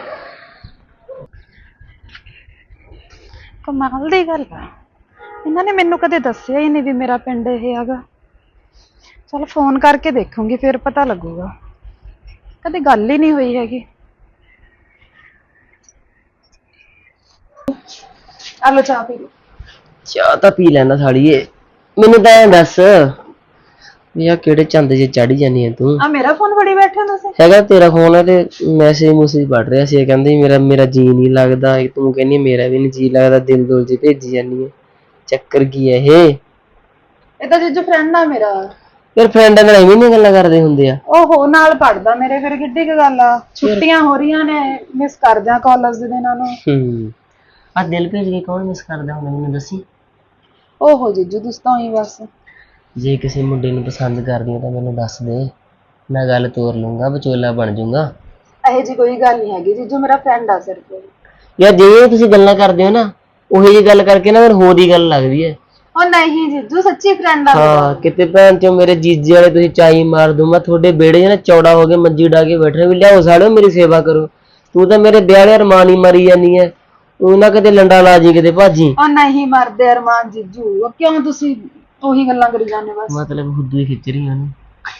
[SPEAKER 1] ਕਮਾਲ ਦੀ ਗੱਲ ਆ, ਇਹਨਾਂ ਨੇ ਮੈਨੂੰ ਕਦੇ ਦੱਸਿਆ ਹੀ ਨਹੀਂ ਵੀ ਮੇਰਾ ਪਿੰਡ ਇਹ ਹੈਗਾ। ਚਲ ਫੋਨ ਕਰਕੇ ਦੇਖੂੰਗੀ ਫਿਰ ਪਤਾ ਲੱਗੂਗਾ, ਕਦੇ ਗੱਲ ਹੀ ਨਹੀਂ ਹੋਈ ਹੈਗੀ। ਆਲੋ ਚਾਹ ਪੀ ਲਓ।
[SPEAKER 3] ਚਾਹ ਤਾਂ ਪੀ ਲੈਣਾ ਸਾਲੀਏ, ਮੈਨੂੰ ਤਾਂ ਐਂ ਦੱਸ ਵੀ ਆ ਕਿਹੜੇ ਚੰਦ ਜੇ ਚੜੀ ਜਾਨੀ ਆ ਤੂੰ।
[SPEAKER 1] ਆ ਮੇਰਾ ਫੋਨ ਫੜੀ ਬੈਠੇ ਹੋ ਤੁਸੀਂ?
[SPEAKER 3] ਹੈਗਾ ਤੇਰਾ ਫੋਨ ਹੈ ਤੇ ਮੈਸੇਜ ਮੂਸੇਜ ਪੜ ਰਿਹਾ ਸੀ, ਕਹਿੰਦੀ ਮੇਰਾ ਮੇਰਾ ਜੀ ਨਹੀਂ ਲੱਗਦਾ, ਤੂੰ ਕਹਿੰਦੀ ਮੇਰਾ ਵੀ ਨਹੀਂ ਜੀ ਲੱਗਦਾ, ਦਿਲ ਦੁਲ ਚ ਭੇਜੀ ਜਾਨੀ ਹੈ। ਚੱਕਰ ਕੀ ਹੈ ਇਹ?
[SPEAKER 1] ਇਹ ਤਾਂ ਜੀਜੂ ਫਰੈਂਡ ਆ ਮੇਰਾ।
[SPEAKER 3] ਯਾਰ ਫਰੈਂਡਾਂ ਨਾਲ ਐਵੇਂ ਨਹੀਂ ਗੱਲਾਂ ਕਰਦੇ ਹੁੰਦੇ ਆ।
[SPEAKER 1] ਓਹੋ ਨਾਲ ਪੜਦਾ ਮੇਰੇ, ਫਿਰ ਕਿੱਡੀ ਕੁ ਗੱਲ ਆ। ਛੁੱਟੀਆਂ ਹੋ ਰਹੀਆਂ ਨੇ, ਮਿਸ ਕਰ ਜਾ ਕਾਲਜ ਦੇ ਦਿਨਾਂ ਨੂੰ।
[SPEAKER 3] ਹੂੰ ਆ ਦਿਲ ਭੇਜ ਕੇ ਕੌਣ ਮਿਸ ਕਰਦਾ ਹੁੰਦਾ ਮੈਨੂੰ ਦੱਸੀ।
[SPEAKER 1] ਓਹੋ ਜੀਜੂ ਤੁਸੀਂ ਤਾਂ ਹੀ ਬਸ।
[SPEAKER 3] ਜੇ ਕਿਸੇ ਮੁੰਡੇ ਨੂੰ ਪਸੰਦ ਕਰਦੀ ਆ ਤਾਂ ਮੈਨੂੰ ਦੱਸ ਦੇ, ਮੈਂ ਗੱਲ ਤੋਰ ਲੂੰਗਾ, ਵਿਚੋਲਾ ਬਣ ਜਾਊਂਗਾ।
[SPEAKER 1] ਇਹੋ ਜੀ ਕੋਈ ਗੱਲ ਨਹੀਂ ਹੈਗੀ ਜੀਜੂ, ਮੇਰਾ ਫਰੈਂਡ ਆ ਸਿਰਫ।
[SPEAKER 3] ਯਾਰ ਜਿਵੇਂ ਤੁਸੀਂ ਗੱਲਾਂ ਕਰਦੇ ਹੋ ਨਾ, ਉਹੀ ਜਿਹੀ ਗੱਲ ਕਰਕੇ ਨਾ ਫਿਰ ਹੋਰ ਹੀ ਗੱਲ ਲੱਗਦੀ ਹੈ।
[SPEAKER 1] ਉਹ ਨਹੀਂ ਜੀਜੂ ਸੱਚੀ ਫਰੈਂਡ ਆ ਮੇਰਾ।
[SPEAKER 3] ਹਾਂ ਕਿਤੇ ਭੈਣ ਚੋ ਮੇਰੇ ਜੀਜੇ ਵਾਲੇ ਤੁਸੀਂ ਚਾਈ ਮਾਰ ਦੂੰ ਮੈਂ ਤੁਹਾਡੇ ਵਿਹੜੇ 'ਚ ਨਾ ਚੌੜਾ ਹੋ ਕੇ ਮੰਜੀ ਡਾ ਕੇ ਬੈਠਾ ਵੀ ਲਿਆਓ ਸਾੜਿਓ ਮੇਰੀ ਸੇਵਾ ਕਰੋ। ਤੂੰ ਤਾਂ ਮੇਰੇ ਵਿਆਹ ਵਾਲੇ ਅਰਮਾਨ ਹੀ ਮਾਰੀ ਜਾਨੀ ਹੈ, ਉਹ ਨਾ ਕਿਤੇ ਲੰਡਾ ਲਾ ਜੀ ਕਿਤੇ ਭਾਜੀ।
[SPEAKER 1] ਉਹ ਨਹੀਂ ਮਰਦੇ ਅਰਮਾਨ ਜੀਜੂ, ਉਹ ਕਿਉਂ ਤੁਸੀਂ ਉਹੀ ਗੱਲਾਂ ਕਰੀ ਜਾਂਦੇ ਬਸ।
[SPEAKER 3] ਮਤਲਬ ਖੁਦ ਹੀ ਖਿੱਚ ਰਹੀ ਉਹਨੂੰ।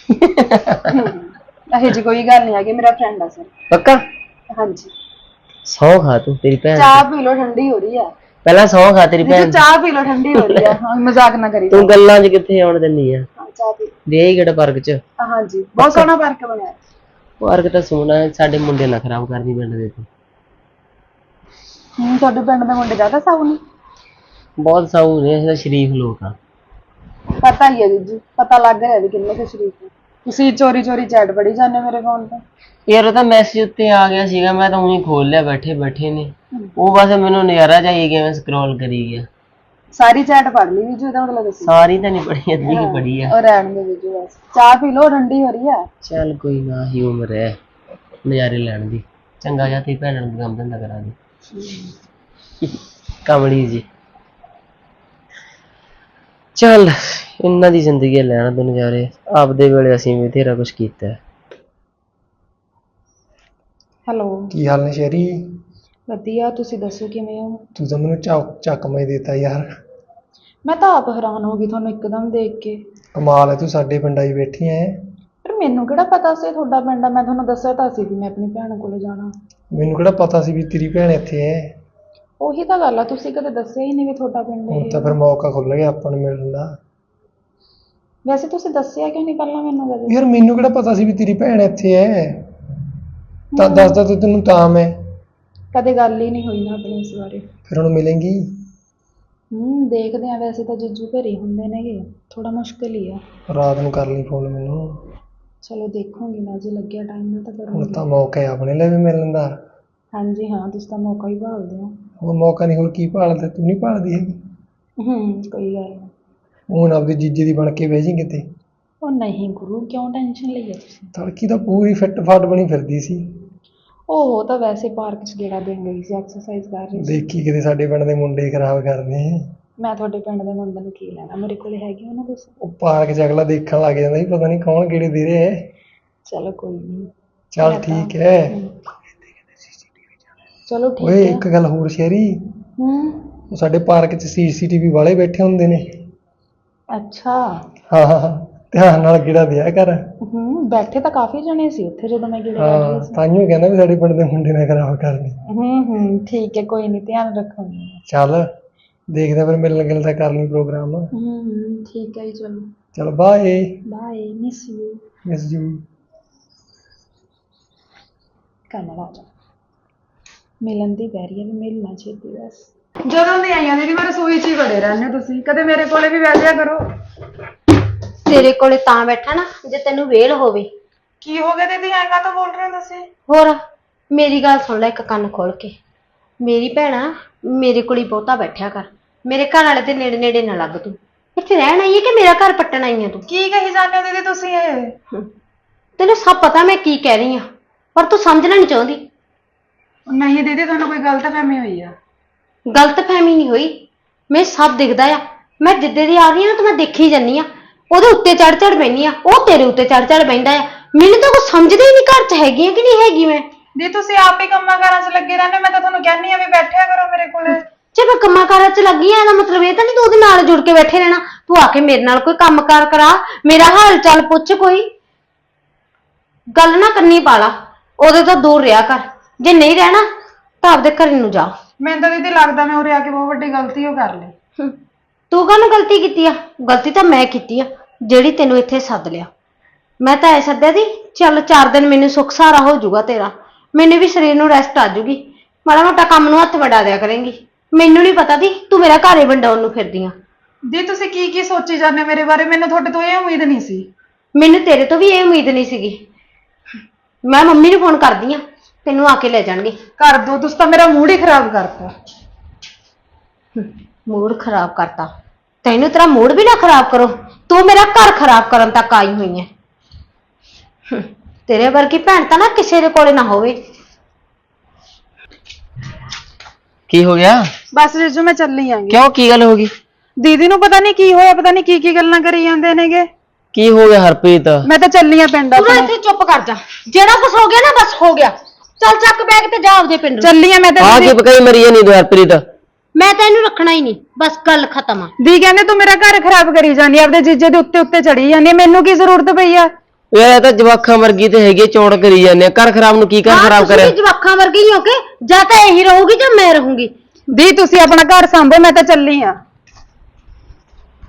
[SPEAKER 1] ਇਹੋ ਜੀ ਕੋਈ ਗੱਲ ਨਹੀਂ ਹੈਗੀ, ਮੇਰਾ ਫਰੈਂਡ ਆ ਸਰ।
[SPEAKER 3] ਪੱਕਾ?
[SPEAKER 1] ਹਾਂਜੀ।
[SPEAKER 3] ਸੌ ਖਾ ਤੂੰ ਤੇਰੀ ਭੈਣ
[SPEAKER 1] ਚਾਹ ਪੀ ਲੋ, ਠੰਡੀ ਹੋ ਰਹੀ ਆ।
[SPEAKER 3] ਪਹਿਲਾਂ ਸੌ ਖਾ ਤੇਰੀ ਭੈਣ।
[SPEAKER 1] ਚਾਹ ਪੀ ਲੋ, ਠੰਡੀ ਹੋ ਰਹੀ ਆ। ਹਾਂ ਮਜ਼ਾਕ ਨਾ ਕਰੀ
[SPEAKER 3] ਤੂੰ ਗੱਲਾਂ 'ਚ ਕਿੱਥੇ ਆਉਣ ਦਿੰਨੀ ਆ?
[SPEAKER 1] ਚਾਹ ਪੀ।
[SPEAKER 3] ਦੇ ਕਿਹੜਾ ਪਾਰਕ 'ਚ?
[SPEAKER 1] ਹਾਂਜੀ ਬਹੁਤ ਸੋਹਣਾ ਪਾਰਕ ਬਣਿਆ।
[SPEAKER 3] ਪਾਰਕ ਤਾਂ ਸੋਹਣਾ ਹੈ, ਸਾਡੇ ਮੁੰਡੇ ਨਾ ਖਰਾਬ ਕਰਦੀ ਪਿੰਡ ਦੇ ਤੂੰ।
[SPEAKER 1] ਹੂੰ ਤੁਹਾਡੇ ਪਿੰਡ ਦੇ ਮੁੰਡੇ ਜ਼ਿਆਦਾ ਸਾਊ ਨੇ?
[SPEAKER 3] ਬਹੁਤ ਸਾਊ ਨੇ, ਅਸੀਂ ਤਾਂ ਸ਼ਰੀਫ ਲੋਕ ਆ।
[SPEAKER 1] ਪਤਾ ਹੀ ਹੈ ਜੀਜੂ, ਪਤਾ ਲੱਗ ਰਿਹਾ ਵੀ ਕਿੰਨੇ ਕੁ ਸ਼ਰੀਫ ਨੇ। ਤੁਸੀਂ ਚੋਰੀ ਚੋਰੀ ਚੈਟ ਪੜੀ ਜਾਂਦੇ ਮੇਰੇ ਫੋਨ ਤੇ।
[SPEAKER 3] ਯਾਰ ਉਹ ਤਾਂ ਮੈਸੇਜ ਉੱਤੇ ਆ ਗਿਆ ਸੀਗਾ, ਮੈਂ ਤਾਂ ਉਹੀ ਖੋਲ ਲਿਆ ਬੈਠੇ ਬੈਠੇ ਨੇ। ਉਹ ਬਸ ਮੈਨੂੰ ਨਜ਼ਾਰਾ ਜਾਈ ਗਿਆ, ਮੈਂ ਸਕਰੋਲ ਕਰੀ ਗਿਆ।
[SPEAKER 1] ਸਾਰੀ ਚੈਟ ਪੜ ਲਈ ਜੀਜੂ, ਇਹਦਾ ਮਤਲਬ ਦੱਸੋ?
[SPEAKER 3] ਸਾਰੀ ਤਾਂ ਨਹੀਂ ਪੜੀ, ਅੱਧੀ ਹੀ ਪੜੀ ਆ।
[SPEAKER 1] ਉਹ ਰਹਿਣ ਦੇ ਜੀਜੂ ਬਸ, ਚਾਹ ਪੀ ਲੋ, ਠੰਡੀ ਹੋ ਰਹੀ ਆ।
[SPEAKER 3] ਚੱਲ ਕੋਈ ਨਾ, ਹੀ ਉਮਰ ਹੈ ਨਜ਼ਾਰੇ ਲੈਣ ਦੀ। ਚੰਗਾ ਜਾ ਤੇ ਭੈਣ ਨੂੰ ਕੰਮ ਧੰਦਾ ਕਰਾ ਦੇ ਕਮਲੀ ਜੀ। ਚੱਲ ਇਹਨਾਂ ਦੀ ਜ਼ਿੰਦਗੀ ਲੈਣ ਦੋ ਨਜ਼ਾਰੇ, ਆਪਦੇ ਵੇਲੇ ਅਸੀਂ ਵੀ ਬਥੇਰਾ ਕੁਛ ਕੀਤਾ।
[SPEAKER 1] ਹੈਲੋ
[SPEAKER 2] ਕੀ ਹਾਲ ਨੇ ਸ਼ਹਿਰੀ?
[SPEAKER 1] ਵਧੀਆ, ਤੁਸੀਂ ਦੱਸੋ ਕਿਵੇਂ ਹੋ?
[SPEAKER 2] ਤੂੰ ਤਾਂ ਮੈਨੂੰ ਚੱਕ ਚੱਕਮਾ ਹੀ ਦੇਤਾ ਯਾਰ।
[SPEAKER 1] ਮੈਂ ਤਾਂ ਆਪ ਹੈਰਾਨ ਹੋ ਗਈ ਤੁਹਾਨੂੰ ਇੱਕਦਮ ਦੇਖ ਕੇ।
[SPEAKER 2] ਕਮਾਲ ਹੈ, ਤੂੰ ਸਾਡੇ ਪਿੰਡ ਆਈ ਬੈਠੀ ਐ।
[SPEAKER 1] ਪਰ ਮੈਨੂੰ ਕਿਹੜਾ ਪਤਾ ਸੀ ਤੁਹਾਡਾ ਪਿੰਡ ਆ, ਮੈਂ ਤੁਹਾਨੂੰ ਦੱਸਿਆ ਤਾਂ ਸੀ ਵੀ ਮੈਂ ਆਪਣੀ ਭੈਣ ਕੋਲੇ ਜਾਣਾ।
[SPEAKER 2] ਮੈਨੂੰ ਕਿਹੜਾ ਪਤਾ ਸੀ ਵੀ ਤੇਰੀ ਭੈਣ ਇੱਥੇ ਐ।
[SPEAKER 1] ਉਹੀ ਤਾਂ ਗੱਲ ਆ, ਤੁਸੀਂ ਕਦੇ ਦੱਸਿਆ ਹੀ ਨਹੀਂ ਵੀ ਤੁਹਾਡਾ ਪਿੰਡ
[SPEAKER 2] ਹੁਣ
[SPEAKER 1] ਇਹ
[SPEAKER 2] ਤਾਂ ਫਿਰ ਮੌਕਾ ਖੁੱਲ ਗਿਆ ਆਪਾਂ ਨੂੰ ਮਿਲਣ ਦਾ।
[SPEAKER 1] ਵੈਸੇ ਤੁਸੀਂ ਦੱਸਿਆ ਕਿਉਂ ਨਹੀਂ ਪਹਿਲਾਂ ਮੈਨੂੰ ਕਦੇ?
[SPEAKER 2] ਯਾਰ ਮੈਨੂੰ ਕਿਹੜਾ ਪਤਾ ਸੀ ਵੀ ਤੇਰੀ ਭੈਣ ਇੱਥੇ ਐ, ਤਾਂ ਦੱਸਦਾ ਤਾਂ ਤੈਨੂੰ ਤਾਂ ਮੈਂ।
[SPEAKER 1] ਕਦੇ ਗੱਲ ਹੀ ਨਹੀਂ ਹੋਈ ਨਾ ਆਪਣੀ ਇਸ ਬਾਰੇ।
[SPEAKER 2] ਫਿਰ ਹੁਣ ਮਿਲੇਂਗੀ?
[SPEAKER 1] ਹੂੰ ਦੇਖਦੇ ਆ, ਵੈਸੇ ਤਾਂ ਜੀਜੂ ਘਰੇ ਹੁੰਦੇ ਨੇਗੇ, ਥੋੜਾ ਮੁਸ਼ਕਿਲ ਹੀ ਆ।
[SPEAKER 2] ਰਾਤ ਨੂੰ ਕਰ ਲਈ ਫੋਨ ਮੈਨੂੰ।
[SPEAKER 1] ਚਲੋ ਦੇਖੂੰਗੀ ਮੈਂ, ਜੇ ਲੱਗਿਆ ਟਾਈਮ ਨਾਲ ਤਾਂ
[SPEAKER 2] ਹੁਣ
[SPEAKER 1] ਕਰੂੰਗੀ।
[SPEAKER 2] ਤਾਂ ਮੌਕਾ ਹੈ ਆਪਣੇ ਲਈ ਵੀ ਮਿਲਣ ਦਾ।
[SPEAKER 1] ਹਾਂਜੀ ਹਾਂ, ਤੁਸੀਂ ਤਾਂ ਮੌਕਾ ਹੀ ਭਾਲਦੇ ਹੋ।
[SPEAKER 2] ਹੁਣ ਮੌਕਾ ਨਹੀਂ, ਹੋਰ ਕੀ ਭਾਲਦਾ? ਤੂੰ ਨਹੀਂ ਭਾਲਦੀ ਹੈਗੀ?
[SPEAKER 1] ਹੂੰ ਕੋਈ ਗੱਲ ਨਹੀਂ।
[SPEAKER 2] ਹੁਣ ਆਪਦੀ ਜੀਜੇ ਦੀ ਬਣ ਕੇ ਬਹਿ ਜੀ ਕਿਤੇ।
[SPEAKER 1] ਉਹ ਨਹੀਂ ਗੁਰੂ, ਕਿਉਂ ਟੈਨਸ਼ਨ ਲਈ ਆ ਤੁਸੀਂ?
[SPEAKER 2] ਤੜਕੀ ਤਾਂ ਪੂਰੀ ਫਿੱਟ ਫਾਟ ਬਣੀ ਫਿਰਦੀ ਸੀ।
[SPEAKER 1] ਉਹ ਤਾਂ ਵੈਸੇ ਪਾਰਕ 'ਚ ਗੇੜਾ ਦੇਣ ਗਈ ਸੀ, ਐਕਸਰਸਾਈਜ਼ ਕਰ ਰਹੀ ਸੀ।
[SPEAKER 2] ਦੇਖੀ ਕਿਤੇ ਸਾਡੇ ਪਿੰਡ ਦੇ ਮੁੰਡੇ ਖਰਾਬ ਕਰਦੇ।
[SPEAKER 1] ਮੈਂ ਤੁਹਾਡੇ ਪਿੰਡ ਦੇ ਮੁੰਡੇ ਨੂੰ ਕੀ ਲੈਣਾ, ਮੇਰੇ ਕੋਲੇ ਹੈਗੇ ਉਹਨਾਂ ਦੇ।
[SPEAKER 2] ਉਹ ਪਾਰਕ 'ਚ ਅਗਲਾ ਦੇਖਣ ਲੱਗ ਜਾਂਦਾ ਸੀ, ਪਤਾ ਨਹੀਂ ਕੌਣ ਕਿਹੜੇ ਦੇ ਰਹੇ ਹੈ।
[SPEAKER 1] ਚਲੋ ਕੋਈ ਨਹੀਂ।
[SPEAKER 2] ਚੱਲ ਠੀਕ ਹੈ।
[SPEAKER 1] ਚਲੋ ਠੀਕ
[SPEAKER 2] ਓਏ
[SPEAKER 1] ਹੈ।
[SPEAKER 2] ਇੱਕ ਗੱਲ ਹੋਰ ਸ਼ਹਿਰੀ,
[SPEAKER 1] ਹੂੰ
[SPEAKER 2] ਉਹ ਸਾਡੇ ਪਾਰਕ 'ਚ ਸੀਸੀਟੀਵੀ ਵਾਲੇ ਬੈਠੇ ਹੁੰਦੇ ਨੇ।
[SPEAKER 1] ਅੱਛਾ।
[SPEAKER 2] ਹਾਂ ਹਾਂ ਹਾਂ, ਧਿਆਨ ਨਾਲ ਗੇੜਾ ਦਿਆ ਕਰ।
[SPEAKER 1] ਹੂੰ ਬੈਠੇ ਤਾਂ ਕਾਫੀ ਜਣੇ ਸੀ ਉੱਥੇ ਜਦੋਂ ਮੈਂ ਗੇੜਾ ਕਰ ਰਹੀ
[SPEAKER 2] ਹਾਂ
[SPEAKER 1] ਸੀ।
[SPEAKER 2] ਤਾਂਹੀਓ ਕਹਿੰਦਾ ਵੀ ਸਾਡੇ ਪਿੰਡ ਦੇ ਮੁੰਡੇ ਨੇ ਖਰਾਬ ਕਰਨੀ।
[SPEAKER 1] ਹੂੰ ਹੂੰ ਠੀਕ ਹੈ, ਕੋਈ ਨਹੀਂ, ਧਿਆਨ ਰੱਖੂੰਗੀ।
[SPEAKER 2] ਚੱਲ ਦੇਖਦੇ ਫਿਰ ਮਿਲਣ ਗਿਲਣ ਦਾ ਕਰ ਲਈ ਪ੍ਰੋਗਰਾਮ।
[SPEAKER 1] ਹੂੰ ਹੂੰ ਠੀਕ ਹੈ ਜੀ, ਚਲੋ
[SPEAKER 2] ਚਲ bye.
[SPEAKER 1] Bye, miss you.
[SPEAKER 2] Miss you.
[SPEAKER 1] Kamal ਆ ਜਾ, ਮਿਲਣ ਦੀ ਬੈਰੀ ਹੈ ਵੀ ਮਿਲਣਾ ਛੇਤੀ ਬਸ। ਜਦੋਂ ਦੀ ਆਈਆਂ ਦੀਦੀ ਮੈਂ ਰਸੋਈ 'ਚ ਹੀ ਵੜੇ ਰਹਿੰਦੇ ਹੋ ਤੁਸੀਂ, ਕਦੇ ਮੇਰੇ ਕੋਲੇ ਵੀ ਬਹਿ ਜਾਇਆ ਕਰੋ।
[SPEAKER 4] ਤੇਰੇ ਕੋਲੇ ਤਾਂ ਬੈਠਾ ਨਾ ਜੇ ਤੈਨੂੰ ਵੇਲ ਹੋਵੇ।
[SPEAKER 1] ਕੀ ਹੋ ਗਿਆ ਦੀਦੀ, ਐਂ ਕਾਹਤੋਂ ਬੋਲ ਰਹੇ ਹੋ ਤੁਸੀਂ?
[SPEAKER 4] ਹੋਰ ਮੇਰੀ ਗੱਲ ਸੁਣ ਲੈ ਇੱਕ ਕੰਨ ਖੋਲ ਕੇ। ਮੇਰੀ ਭੈਣਾ ਮੇਰੇ ਕੋਲ ਹੀ ਬਹੁਤਾ ਬੈਠਿਆ ਕਰ, ਮੇਰੇ ਘਰ ਵਾਲੇ ਦੇ ਨੇੜੇ ਨੇੜੇ ਨਾ ਲੱਗ। ਤੂੰ ਇੱਥੇ ਰਹਿਣ ਆਈ ਹੈ ਕਿ ਮੇਰਾ ਘਰ ਪੱਟਣ ਆਈ ਹੈ ਤੂੰ?
[SPEAKER 1] ਕੀ ਕਹੀ ਜਾਂਦੇ ਹੋ ਦੀਦੀ ਤੁਸੀਂ ਇਹ?
[SPEAKER 4] ਤੈਨੂੰ ਸਭ ਪਤਾ ਮੈਂ ਕੀ ਕਹਿ ਰਹੀ ਹਾਂ, ਪਰ ਤੂੰ ਸਮਝਣਾ ਨਹੀਂ ਚਾਹੁੰਦੀ।
[SPEAKER 1] ਨਹੀਂ ਦੀਦੀ, ਤੁਹਾਨੂੰ ਕੋਈ ਗਲਤਫਹਿਮੀ ਹੋਈ ਆ।
[SPEAKER 4] ਗਲਤਫਹਿਮੀ ਨਹੀਂ ਹੋਈ, ਮੈਂ ਸਭ ਦਿਖਦਾ ਆ। ਮੈਂ ਜਿੱਦੇ ਦੀ ਆ ਰਹੀ ਹਾਂ ਨਾ, ਤਾਂ ਮੈਂ ਦੇਖੀ ਜਾਨੀ ਆ। ਉਹਦੇ ਉੱਤੇ ਚੜ ਚੜ ਬੈਣੀ ਆ, ਉਹ ਤੇਰੇ ਉੱਤੇ ਚੜ ਚੜ ਬੈਂਦਾ ਆ। ਮੈਨੂੰ ਤਾਂ ਕੁਛ ਸਮਝਦਾ ਹੀ ਨਹੀਂ, ਘਰ 'ਚ ਹੈਗੀ ਆ ਕਿ ਨਹੀਂ ਹੈਗੀ ਮੈਂ।
[SPEAKER 1] ਦੀ ਤੁਸੀਂ ਆਪ ਹੀ ਕੰਮਾਂ ਕਾਰਾਂ 'ਚ ਲੱਗੇ ਰਹਿੰਦੇ, ਮੈਂ ਤਾਂ ਤੁਹਾਨੂੰ ਕਹਿੰਦੀ ਆ ਵੀ ਬੈਠਿਆ ਕਰੋ ਮੇਰੇ ਕੋਲੇ।
[SPEAKER 4] ਜੇ ਮੈਂ ਕੰਮਾਂ ਕਾਰਾਂ 'ਚ ਲੱਗੀ ਆ, ਇਹਦਾ ਮਤਲਬ ਇਹ ਤਾਂ ਨਹੀਂ ਤੂੰ ਉਹਦੇ ਨਾਲ ਜੁੜ ਕੇ ਬੈਠੇ ਰਹਿਣਾ। ਤੂੰ ਆ ਕੇ ਮੇਰੇ ਨਾਲ ਕੋਈ ਕੰਮ ਕਾਰ ਕਰਾ, ਮੇਰਾ ਹਾਲ ਚਾਲ ਪੁੱਛ, ਕੋਈ ਗੱਲ ਨਾ ਕਰਨੀ ਪਾ ਲਾ। ਉਹਦੇ ਤੋਂ ਦੂਰ ਰਿਹਾ ਕਰ, ਜੇ ਨਹੀਂ ਰਹਿਣਾ ਤਾਂ ਆਪਦੇ ਘਰ ਨੂੰ ਜਾ।
[SPEAKER 1] ਮੈਨੂੰ ਤਾਂ ਦੀਦੀ ਲੱਗਦਾ ਮੈਂ ਉਰੇ ਆ ਕੇ ਬਹੁਤ ਵੱਡੀ ਗਲਤੀ ਉਹ ਕਰ ਲਈ।
[SPEAKER 4] ਤੂੰ ਕਾਹਨੂੰ ਗਲਤੀ ਕੀਤੀ ਆ? ਗਲਤੀ ਤਾਂ ਮੈਂ ਕੀਤੀ ਆ। ਜਿਹੜੀ ਤੈਨੂੰ ਇੱਥੇ ਸੱਦ ਲਿਆ। ਮੈਂ ਤਾਂ ਐ ਸੱਦਿਆ ਦੀ ਚੱਲ ਚਾਰ ਦਿਨ ਮੈਨੂੰ ਸੁੱਖ ਸਹਾਰਾ ਹੋ ਜਾਊਗਾ ਤੇਰਾ, ਮੈਨੂੰ ਵੀ ਸਰੀਰ ਨੂੰ ਰੈਸਟ ਆ ਜਾਊਗੀ, ਮਾੜਾ ਮੋਟਾ ਕੰਮ ਨੂੰ ਹੱਥ ਵਡਾ ਦਿਆ ਕਰੇਂਗੀ। ਮੈਨੂੰ ਨਹੀਂ ਪਤਾ ਦੀ ਤੂੰ ਮੇਰਾ ਘਰ ਹੀ ਵੰਡਾਉਣ ਨੂੰ ਫਿਰਦੀ ਆ।
[SPEAKER 1] ਦੀ ਤੁਸੀਂ ਕੀ ਕੀ ਸੋਚੀ ਜਾਂਦੇ ਮੇਰੇ ਬਾਰੇ? ਮੈਨੂੰ ਤੁਹਾਡੇ ਤੋਂ ਇਹ ਉਮੀਦ ਨਹੀਂ ਸੀ।
[SPEAKER 4] ਮੈਨੂੰ ਤੇਰੇ ਤੋਂ ਵੀ ਇਹ ਉਮੀਦ ਨਹੀਂ ਸੀਗੀ। ਮੈਂ ਮੰਮੀ ਨੂੰ ਫੋਨ ਕਰਦੀ ਆ, ਤੈਨੂੰ ਆ ਕੇ ਲੈ ਜਾਣਗੇ।
[SPEAKER 1] ਕਰ ਦੋ, ਤੁਸੀਂ ਤਾਂ ਮੇਰਾ ਮੂਡ ਹੀ ਖਰਾਬ ਕਰਤਾ।
[SPEAKER 4] ਮੂਡ ਖਰਾਬ ਕਰਤਾ? ਤੈਨੂੰ ਤੇਰਾ ਮੂਡ ਵੀ ਨਾ ਖਰਾਬ ਕਰੋ, ਤੂੰ ਮੇਰਾ ਘਰ ਖਰਾਬ ਕਰਨ ਤੱਕ ਆਈ ਹੋਈ ਹੈ। ਹਮ, ਤੇਰੇ ਵਰਗੀ ਭੈਣ ਤਾਂ ਨਾ ਕਿਸੇ ਦੇ ਕੋਲੇ ਨਾ ਹੋਵੇ।
[SPEAKER 3] ਕੀ ਹੋ ਗਿਆ?
[SPEAKER 1] ਬਸ ਜੀਜੂ ਮੈਂ ਚੱਲੀ ਆਂਗੀ।
[SPEAKER 3] ਕਿਉਂ, ਕੀ ਗੱਲ ਹੋ ਗਈ?
[SPEAKER 1] ਦੀਦੀ ਨੂੰ ਪਤਾ ਨਹੀਂ ਕੀ ਹੋਇਆ, ਪਤਾ ਨਹੀਂ ਕੀ ਕੀ ਗੱਲਾਂ ਕਰੀ ਜਾਂਦੇ ਨੇਗੇ।
[SPEAKER 3] ਕੀ ਹੋ ਗਿਆ ਹਰਪ੍ਰੀਤ?
[SPEAKER 1] ਮੈਂ ਤਾਂ ਚੱਲੀ ਆ ਪਿੰਡ
[SPEAKER 4] ਤੂੰ ਨਾ
[SPEAKER 1] ਆਪਣੇ।
[SPEAKER 4] ਇੱਥੇ ਚੁੱਪ ਕਰ ਜਾ, ਜਿਹੜਾ ਕੁਝ ਹੋ ਗਿਆ ਨਾ ਬਸ ਹੋ ਗਿਆ। ਚੱਲ ਚੱਕ ਬੈਗ ਤੇ ਜਾ ਆਪਦੇ ਪਿੰਡ ਨੂੰ।
[SPEAKER 1] ਚੱਲੀ ਆ ਮੈਂ ਤਾਂ
[SPEAKER 3] ਆ ਕੀ
[SPEAKER 1] ਦੀਦੀ।
[SPEAKER 3] ਪਕਾਈ ਮਰੀ ਨਹੀਂ ਤੂੰ ਹਰਪ੍ਰੀਤ?
[SPEAKER 4] ਮੈਂ ਤਾਂ ਇਹਨੂੰ ਰੱਖਣਾ ਹੀ ਨਹੀਂ, ਬਸ ਗੱਲ ਖਤਮ ਆ।
[SPEAKER 1] ਦੀ ਕਹਿੰਦੇ ਤੂੰ ਮੇਰਾ ਘਰ ਖਰਾਬ ਕਰੀ ਜਾਂਦੀ ਆ, ਆਪਦੇ ਜੀਜੇ ਦੇ ਉੱਤੇ ਉੱਤੇ ਚੜੀ ਜਾਂਦੀ ਆ, ਮੈਨੂੰ ਕੀ ਜ਼ਰੂਰਤ ਪਈ ਆ?
[SPEAKER 3] ਯਾਰ ਇਹ ਤਾਂ ਜਵਾਖਾਂ ਵਰਗੀ ਤੇ ਹੈਗੀ, ਚੌੜ ਕਰੀ ਜਾਂਦੇ ਆ। ਘਰ ਖਰਾਬ ਨੂੰ ਕੀ ਘਰ
[SPEAKER 4] ਹਾਂ,
[SPEAKER 3] ਖਰਾਬ
[SPEAKER 4] ਤੁਸੀਂ
[SPEAKER 3] ਕਰਿਆ?
[SPEAKER 4] ਵੀ ਜਵਾਕਾਂ ਵਰਗੀ ਹੀ ਹੋ ਕੇ, ਜਾਂ ਤਾਂ ਇਹੀ ਰਹੂਗੀ ਜਾਂ ਮੈਂ ਰਹੂੰਗੀ।
[SPEAKER 1] ਦੀ ਤੁਸੀਂ ਆਪਣਾ ਘਰ ਸੰਭੋ, ਮੈਂ ਤਾਂ ਚੱਲੀ ਆ।